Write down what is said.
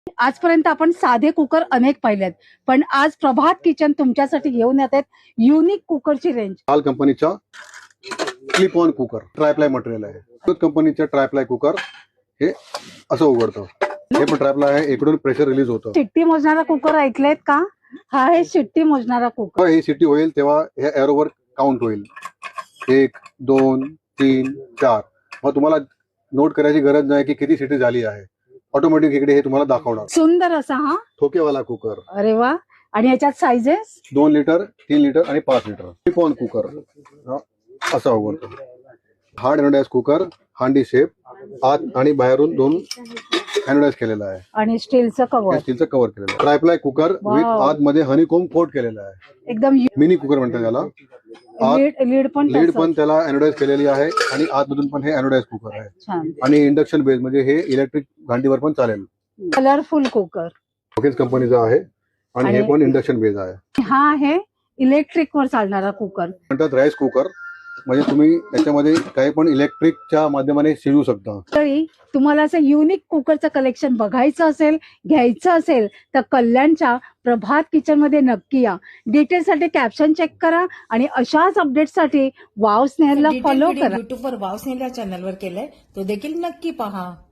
आजपर्यंत आपण साधे कुकर अनेक पाहिलेत, पण आज प्रभात किचन तुमच्यासाठी घेऊन येत आहेत युनिक कुकरची रेंज. हाल कंपनीचा clip on cooker triply material आहे. कंपनीचा ट्रायप्लाय कुकर हे असं उघडतं. हे पण ट्रायप्लाय आहे, इकडून प्रेशर रिलीज होतं. शिट्टी मोजणारा कुकर ऐकलेत का? हा आहे शिट्टी मोजणारा कुकर. ही सिटी होईल तेव्हा हे एरोवर काउंट होईल. 1 2 3 4. मग तुम्हाला नोट करायची गरज नाही की किती सिटी झाली आहे. ऑटोमॅटिक इकडे हे तुम्हाला दाखवणार. सुंदर असा हा ठोकेवाला कुकर. अरे वा. आणि याच्यात साइजेस 2 लिटर 3 लिटर आणि 5 लिटर. क्लिप ऑन कुकर असा उघडतो. हार्ड एनोडाइज कुकर, हांडी शेप, आत आणि बाहेरून 2 एनोडाइज केलेला आहे आणि स्टीलचं कव्हर. स्टीलचं कव्हर केलेलं आहे. ट्रायप्लाय कुकर विथ आतमध्ये हनीकोम कोट केलेला आहे. एकदम मिनी कुकर म्हणतात त्याला. लीड पण त्याला एनोडाइज केलेली आहे आणि आतमधून पण हे एनोडाइज कुकर आहे. छान. आणि इंडक्शन बेस म्हणजे हे इलेक्ट्रिक भांडीवर पण चालेल. कलरफुल कुकर ओकेच कंपनीचा आहे आणि हे पण इंडक्शन बेस आहे. हा आहे इलेक्ट्रिक वर चालणारा कुकर. म्हणतात राईस कुकर, म्हणजे तुम्ही त्याच्यामध्ये काही पण इलेक्ट्रिकच्या माध्यमाने शिजवू शकता. तरी तुम्हाला असं युनिक कुकरचं कलेक्शन बघायचं असेल, घ्यायचं असेल तर कल्याणच्या प्रभात किचन मध्ये नक्की या. डिटेल्ससाठी कॅप्शन चेक करा आणि अशाच अपडेटसाठी वाव स्नेहलला फॉलो करा. युट्यूबवर वाव स्नेहल या चॅनलवर केलंय, तो देखील नक्की पहा.